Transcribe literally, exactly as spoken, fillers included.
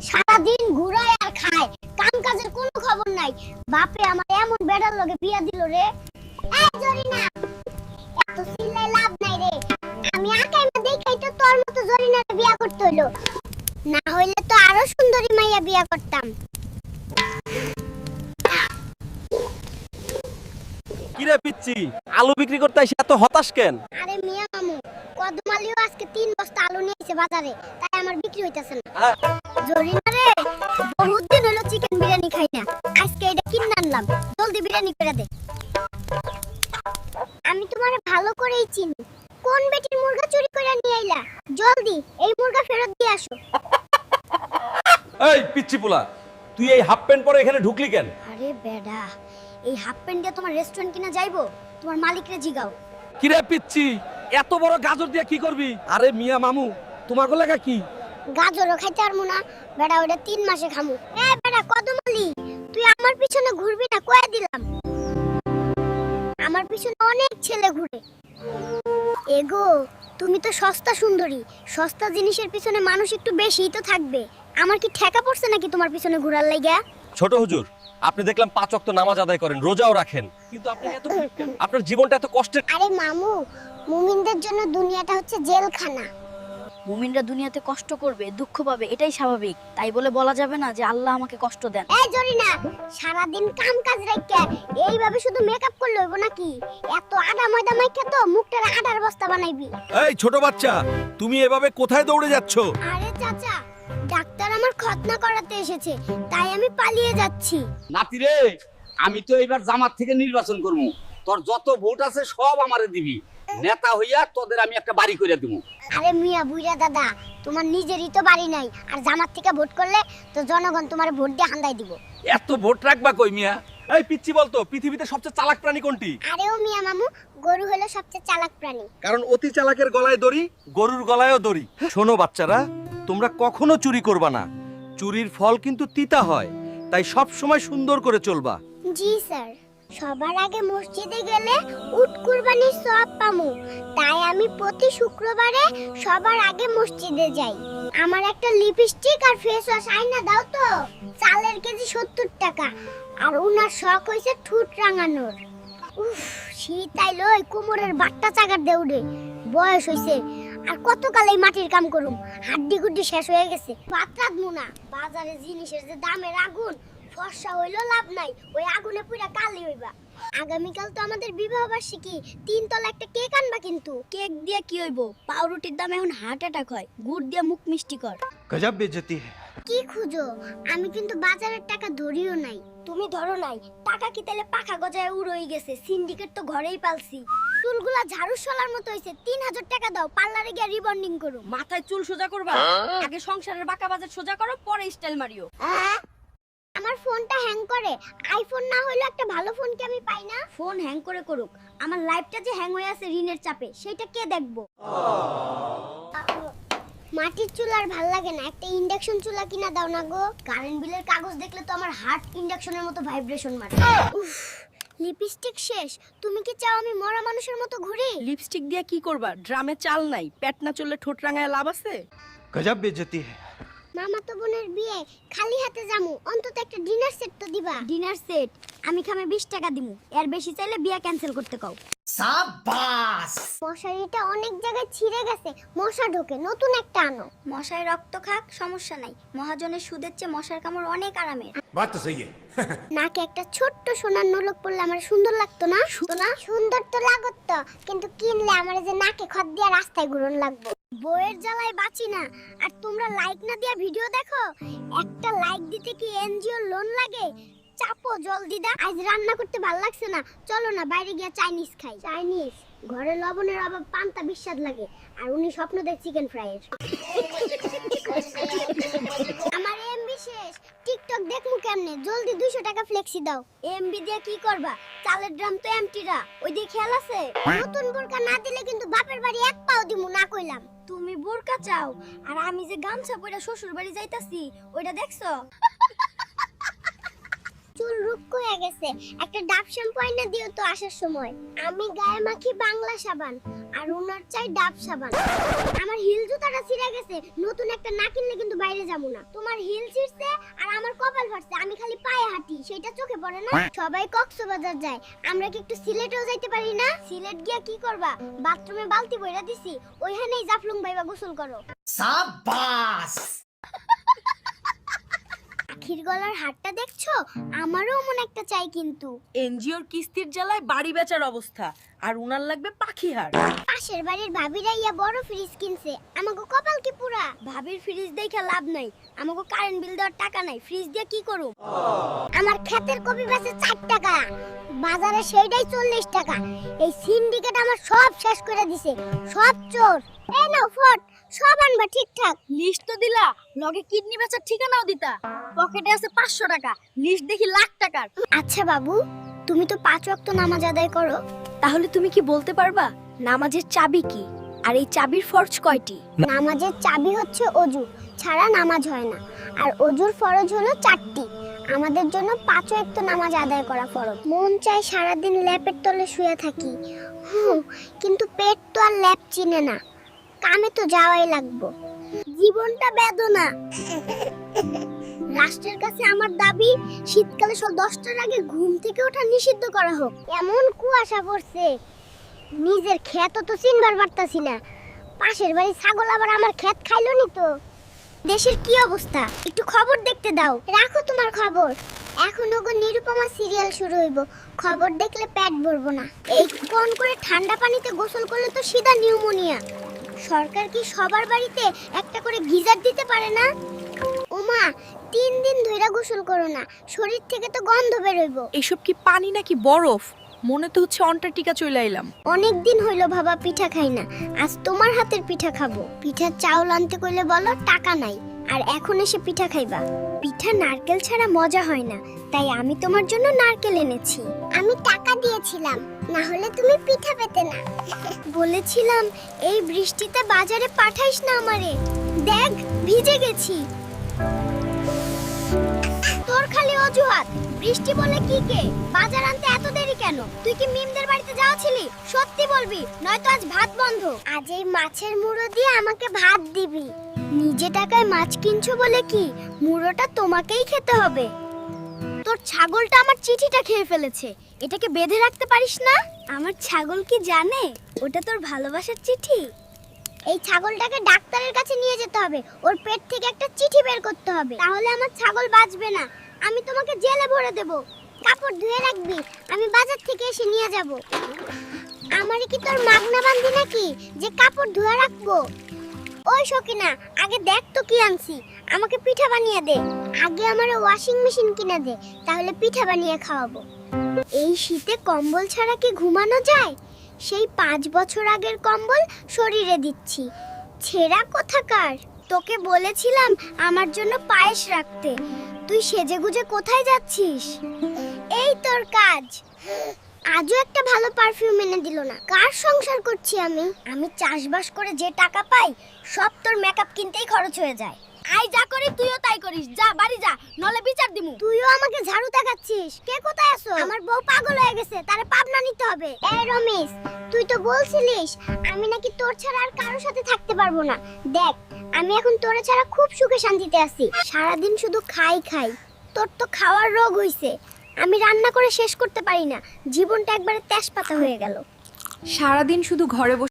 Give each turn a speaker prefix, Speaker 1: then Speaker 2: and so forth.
Speaker 1: সারা দিন ঘুরায় আর খায়, কাম কাজের কোনো খবর নাই। বাপে আমার এমন বেড়ার লগে বিয়া দিল রে। এই জরিনা, এত চিল্লাই লাভ নাই রে। আমি আকাই মা দেখাই তো তোর মতো জরিনারে বিয়া করতে হইলো, না হইলে তো আরো সুন্দরী মাইয়া বিয়া করতাম।
Speaker 2: কিরে পিচ্ছি, আলু বিক্রি করতে এসে এত হতাশ কেন?
Speaker 1: আরে মিয়া মামু, কদমালিও আজকে তিন বস্তা আলু নিয়েছে বাজারে, তাই আমার বিক্রি হইতাছে না। জরিনা রে, বহুত দিন হলো চিকেন বিরিয়ানি খাই না, আজকে এটা কিনে আনলাম, জলদি বিরিয়ানি করে দে। আমি তোমারে ভালো করেই চিনি, কোন বেটির মুরগা চুরি করে নিয়ে আইলা? জলদি এই মুরগা ফেরত দিয়ে আসো।
Speaker 2: এই পিচ্ছি পোলা, তুই এই হাফ প্যান্ট পরে এখানে ঢুকলি কেন?
Speaker 1: আরে বেডা, এই হাফ প্যান্ট দিয়ে তোমার রেস্টুরেন্ট কিনা যাইবো? তোমার মালিকরে জিগাও।
Speaker 2: কিরে পিচ্ছি, এত বড় গাজর দিয়ে কি করবি? আরে মিয়া মামু, তোমার লাগা কি?
Speaker 1: গাজরও খাইতে পারবো না বেডা, ওটা তিন মাসে খামু। এ বেডা কদমালি, তুই আমার পিছনে ঘুরবি না, কয়ে দিলাম। আমার পিছনে অনেক ছেলে ঘুরে। এগো, তুমি তো সস্তা সুন্দরী, সস্তা জিনিসের পিছনে মানুষ একটু বেশিই তো থাকবে। আমার কি ঠেকা পড়ছে নাকি তোমার পিছনে ঘোরার লাগা?
Speaker 2: ছোট হুজুর, আপনি দেখলাম পাঁচ ওয়াক্ত নামাজ আদায় করেন, রোজাও রাখেন, কিন্তু আপনি এত আপনার জীবনটা এত কষ্টের।
Speaker 1: আরে মামু, মুমিনদের জন্য দুনিয়াটা হচ্ছে জেলখানা।
Speaker 3: মুমিনরা দুনিয়াতে কষ্ট করবে, দুঃখ পাবে, এটাই স্বাভাবিক। তাই বলে বলা যাবে না যে আল্লাহ আমাকে কষ্ট দেন।
Speaker 1: এই জরিনা, সারা দিন কাম কাজ রাইখা এইভাবে শুধু মেকআপ করলে হইব নাকি? এত আডা ময়দা মাইখা তো মুখটারে আডার বস্তা বানাইবি।
Speaker 4: এই ছোট বাচ্চা, তুমি এভাবে কোথায় দৌড়ে যাচ্ছ?
Speaker 1: আরে চাচা, ডাক্তার আমার খতনা করাতে এসেছে, তাই আমি পালিয়ে যাচ্ছি।
Speaker 5: নাতি রে, আমি তো এবার জামাত থেকে নির্বাচন করবো, তোর যত ভোট আছে সব আমারে দিবি, নেতা হইয়া তোদের আমি একটা বাড়ি করে দিব।
Speaker 1: আরে মিয়া বুইড়া দাদা, তোমার নিজেরই তো বাড়ি নাই, আর জামাত থেকে ভোট করলে তো জনগণ তোমার ভোট দিয়ে হান্দাই দিব।
Speaker 5: এত ভোট রাখবা কই মিয়া?
Speaker 2: এই পিচ্ছি বলতো, পৃথিবীতে সবচেয়ে চালাক প্রাণী কোনটি?
Speaker 1: আরে ও মিয়া মামু, গরু হলো সবচেয়ে চালাক প্রাণী।
Speaker 2: কারণ অতি চালাকের গলায় দড়ি, গরুর গলায়ও দড়ি। শোনো বাচ্চারা, তোমরা কখনো চুরি করবা না, চুরির ফল কিন্তু তিতা হয়, তাই সব সময় সুন্দর করে চলবা।
Speaker 1: জি স্যার। সবার আগে মসজিদে গেলে উট কুরবানির সওয়াব পামু, তাই আমি প্রতি শুক্রবারে সবার আগে মসজিদে যাই। আমার একটা লিপস্টিক আর ফেস ওয়াশ আইনা দাও তো। চালের কেজি সত্তর টাকা, আর উনার শখ হইছে ঠুট রাঙানোর। উফ, শীত আইলো, এই কোমরের বাট্টা চাগার দেউড়ে। বয়স হইছে, আর কতকাল এই মাটির কাম করুম, হাড্ডি গুড্ডি শেষ হয়ে গেছে। বাতরাত মুনা, বাজারে জিনিসের যে দামের আগুন, ফর্সা হইলো লাভ নাই, ওই আগুনে পুরা কালি হইবা। আগামীকাল তো আমাদের বিবাহ বার্ষিকী, তিন তলা একটা কেক আনবা কিন্তু।
Speaker 3: কেক দিয়ে কি হইব? পাউরুটির দাম এখন হার্ট অ্যাটাক হয়, গুড় দিয়ে মুখ মিষ্টি কর।
Speaker 4: গজব বেজতি।
Speaker 1: কি খুঁজো? আমি কিন্তু বাজারের টাকা ধরিও নাই। তুমি ধরো নাই, টাকা কি তাহলে পাখা গজায় উড়ই গেছে? সিন্ডিকেট তো ঘরেই পালছি। চুলগুলা ঝাড়ু সলার মতো হইছে, তিন হাজার টাকা দাও, পার্লারে গিয়ে রিবন্ডিং করো।
Speaker 3: মাথায় চুল সোজা করবা, আগে সংসারের বাঁকা বাজার সোজা করো, পরে স্টাইল মারিও।
Speaker 1: আমার ফোনটা হ্যাং করে, আইফোন না হইলো একটা ভালো ফোন কি আমি পাই না?
Speaker 3: ফোন হ্যাং করে করুক, আমার লাইফটা যে হ্যাং হয়ে আছে ঋণের চাপে, সেটা কে দেখবো?
Speaker 1: মাটির চুলা আর ভাল লাগে না, একটা ইন্ডাকশন চুলা কিনা দাও না গো। কারেন্ট বিলের কাগজ দেখলে তো আমার হার্ট ইন্ডাকশনের মতো ভাইব্রেশন মারে। উফ, লিপস্টিক শেষ। তুমি কি চাও আমি মরা মানুষের মতো ঘুরি?
Speaker 6: লিপস্টিক দিয়ে কি করবা? ড্রামে চাল নাই, পেট না চললে ঠোঁট রাঙায় লাভ আছে?
Speaker 4: গজব বেজতি।
Speaker 1: মামা তো বোনের বিয়ে, খালি হাতে যামু, অন্তত একটা ডিনার সেট তো দিবা।
Speaker 3: ডিনার সেট আমি খামে বিশ টাকা দিমু, এর বেশি চাইলে বিয়া ক্যান্সেল করতে কও।
Speaker 1: মশারিটা অনেক জায়গায় ছিঁড়ে গেছে, মশা ঢোকে, নতুন একটা আনো।
Speaker 3: মশায় রক্ত খাক, সমস্যা নাই, মহাজনের সুদের চেয়ে মশার কামড় অনেক আরামের।
Speaker 4: বাত তো সহি
Speaker 1: নাকে একটা ছোট্ট সোনার নলক পড়লে আমার সুন্দর লাগতো না? না সুন্দর তো লাগত, কিন্তু কিনলে আমার যে নাকে খত দিয়া রাস্তায় ঘুরন লাগবে। বইয়ের জ্বালায় বাঁচি না, আর তোমরা লাইক না দিয়া ভিডিও দেখো। একটা লাইক দিতে কি এনজিও লোন লাগে? চাপো জলদি দা। আজ রান্না করতে ভাল লাগছে না, চলো না বাইরে গিয়া চাইনিজ খাই। চাইনিজ ঘরে লবণের অভাব, পান্তা বিস্বাদ লাগে, আর উনি স্বপ্ন দেখ চিকেন ফ্রাইয়ের। আমার এমবি শেষ, টিকটক দেখমু কেমনে? জলদি দুইশো টাকা ফ্লেক্সি দাও। এমবি দিয়ে কি করবা? চালের ড্রাম তো এমটিরা, ওই দিয়ে খেয়াল আছে? নতুন বোরকা না দিলে কিন্তু বাপের বাড়ি এক পাও দিমু না কইলাম।
Speaker 3: তুমি বোরকা চাও, আর আমি যে গামছা পরে শ্বশুর বাড়ি যাইতাছি, ওইটা দেখছো?
Speaker 1: চুল রুক্ষ হয়ে গেছে, একটা ডাব শ্যাম্পু আইনা দিও তো আসার সময়। আমি গায়ে মাখি বাংলা সাবান, আর ওনার চাই ডাব সাবান। আমার হিল জুতাটা ছিঁড়ে গেছে, নতুন একটা না কিনলে কিন্তু বাইরে যাবো না। তোমার হিল ছিঁড়ছে আর আমার কপাল ফাটছে, আমি খালি পায়ে হাঁটি, সেটা চোখে পড়ে না? সবাই কক্সবাজার যায়, আমরা কি একটু সিলেটেও যাইতে পারি না? সিলেট গিয়া কি করবা? বাথরুমে বালতি বইরা দিছি, ওইখানেই জাফলং ভাইবা গোসল করো। সাবাস। আখির গলার হাটটা দেখছো? আমারও মন একটা চাই কিন্তু।
Speaker 6: এনজিওর কিস্তির জ্বালায় বাড়ি বেচার অবস্থা, আর উনার লাগবে পাখি হাড়।
Speaker 1: পাশের বাড়ির ভাবিরা ইয়া বড় ফ্রিজ কিনছে, আমাকে কপাল কি পুরা। ভাবির ফ্রিজ দেখে লাভ নাই, আমাকে কারেন্ট বিল দেওয়ার টাকা নাই, ফ্রিজ দিয়ে কি করব? আমার ক্ষেতের কপি বেচে চার টাকা, বাজারে সেইটাই চল্লিশ টাকা। এই সিন্ডিকেট আমার সব শেষ করে দিছে, সব চোর। এই নাও ফট, সব আনবা ঠিকঠাক।
Speaker 3: লিস্ট তো দিলা, লগে কিডনি বেচার ঠিকানাও দিতা। পকেটে আছে পাঁচশো টাকা, লিস্ট দেখি লাখ টাকার।
Speaker 1: আচ্ছা বাবু, তুমি তো পাঁচ ওয়াক্ত নামাজ আদায় করো,
Speaker 3: তাহলে তুমি কি বলতে পারবা নামাজের চাবি কি, আর এই চাবির ফরজ কয়টি?
Speaker 1: নামাজের চাবি হচ্ছে অজু, ছাড়া নামাজ হয় না। আর অজুর ফরজ হলো চারটি। আমাদের জন্য পাঁচ ওয়াক্ত নামাজ আদায় করা ফরজ। মন চায় সারাদিন ল্যাপের তলে শুয়ে থাকি, হুম, কিন্তু পেট তো আর ল্যাপ চিনে না, কামে তো যাওয়াই লাগবো। জীবনটা বেদনা। রাষ্ট্রের কাছে আমার দাবি, শীতকালে সব দশটার আগে ঘুম থেকে ওঠা নিষিদ্ধ করা হোক। এমন কুয়াশা পড়ছে, নিজের ক্ষেত তো চিনবার পারতাছি না। পাশের বাড়ি ছাগল আবার আমার ক্ষেত খাইলো নি তো। দেশের কি অবস্থা, একটু খবর দেখতে দাও। রাখো তোমার খবর, এখন ওগো নিরুপমা সিরিয়াল শুরু হইব, খবর দেখলে পেট ভরবো না। এই কোন করে ঠান্ডা পানিতে গোসল করলে তো সিধা নিউমোনিয়া। সরকার কি সবার বাড়িতে একটা করে গিজার দিতে পারে না? ওমা, তিন দিন ধইরা গোসল করো না, শরীর থেকে তো গন্ধ বেরোইব।
Speaker 6: এসব কি পানি নাকি বরফ? মনে তো হচ্ছে অন্টার্কটিকা চলে আইলাম।
Speaker 1: অনেক দিন হইলো বাবা পিঠা খাই না, আজ তোমার হাতের পিঠা খাবো। পিঠার চাউল আনতে কইলে বলো টাকা নাই, আর এখন এসে পিঠা খাইবা। পিঠা নারকেল ছাড়া মজা হয় না, তাই আমি তোমার জন্য নারকেল এনেছি। আমি টাকা দিয়েছিলাম, না হলে তুমি পিঠা পেতে না। বলেছিলাম এই বৃষ্টিতে বাজারে পাঠাইস না আমারে, দেখ ভিজে গেছি। তোর খালি অজুহাত, বৃষ্টি বলে কি কে? বাজার আনতে এত দেরি কেন? তুই কি মিমদের বাড়িতে যাওয়া ছিলি? সত্যি বলবি, নয়তো আজ ভাত বন্ধ। আজ এই মাছের মুড়ো দিয়ে আমাকে ভাত দিবি। নিজে টাকায় মাছ কিনছো বলে কি মুড়োটা তোমাকেই খেতে হবে?
Speaker 3: তোর ছাগলটা আমার চিঠিটা খেয়ে ফেলেছে, এটাকে বেঁধে রাখতে পারিস না?
Speaker 1: আমার ছাগল কি জানে ওটা তোর ভালোবাসার চিঠি? এই ছাগলটাকে ডাক্তারের কাছে নিয়ে যেতে হবে, ওর পেট থেকে একটা চিঠি বের করতে হবে, তাহলে আমার ছাগল বাঁচবে না। আমি তোমাকে জেলে ভরে দেব। কাপড় ধুয়ে রাখবি, আমি বাজার থেকে এসে নিয়ে যাব। আমারে কি তোর মাগনা বান্ধি নাকি যে কাপড় ধুয়ে রাখবো? ওই সকিনা, আগে দেখ তো কি আনছি, আমাকে পিঠা বানিয়ে দে। আগে আমার ওয়াশিং মেশিন কিনে দে, তাহলে পিঠা বানিয়ে খাওয়াবো। এই শীতে কম্বল ছাড়া কি ঘুমানো যায়? সেই পাঁচ বছর আগের কম্বল শরীরে দিচ্ছি। ছেঁড়া কোথাকার? তোকে বলেছিলাম আমার জন্য পায়েস রাখতে, তুই সেজেগুজে কোথায় যাচ্ছিস? এই তোর কাজ। আজও একটা ভালো পারফিউম এনে দিল না। কার সংসার করছি আমি? আমি চাষবাস করে যে টাকা পাই সব তোর মেকআপ কিনতেই খরচ হয়ে যায়।
Speaker 3: আই যা করি তুইও তাই করিস, যা বাড়ি যা, নলে বিচার দিমু।
Speaker 1: তুইও আমাকে ঝাড়ু দেখাচ্ছিস। কে কোথায় আছো? আমার বউ পাগল হয়ে গেছে, তারে পাবনা নিতে হবে। এই রমেশ, তুই তো বলছিলিস আমি নাকি তোর ছাড়া আর কারোর সাথে থাকতে পারবো না। দেখ, আমি এখন তোর ছাড়া খুব সুখে শান্তিতে আছি। সারাদিন শুধু খাই খাই। তোর তো খাওয়ার রোগ হইছে, আমি রান্না করে শেষ করতে পারি না। জীবনটা একবারে তেজপাতা হয়ে গেল।
Speaker 7: সারাদিন শুধু ঘরে বসে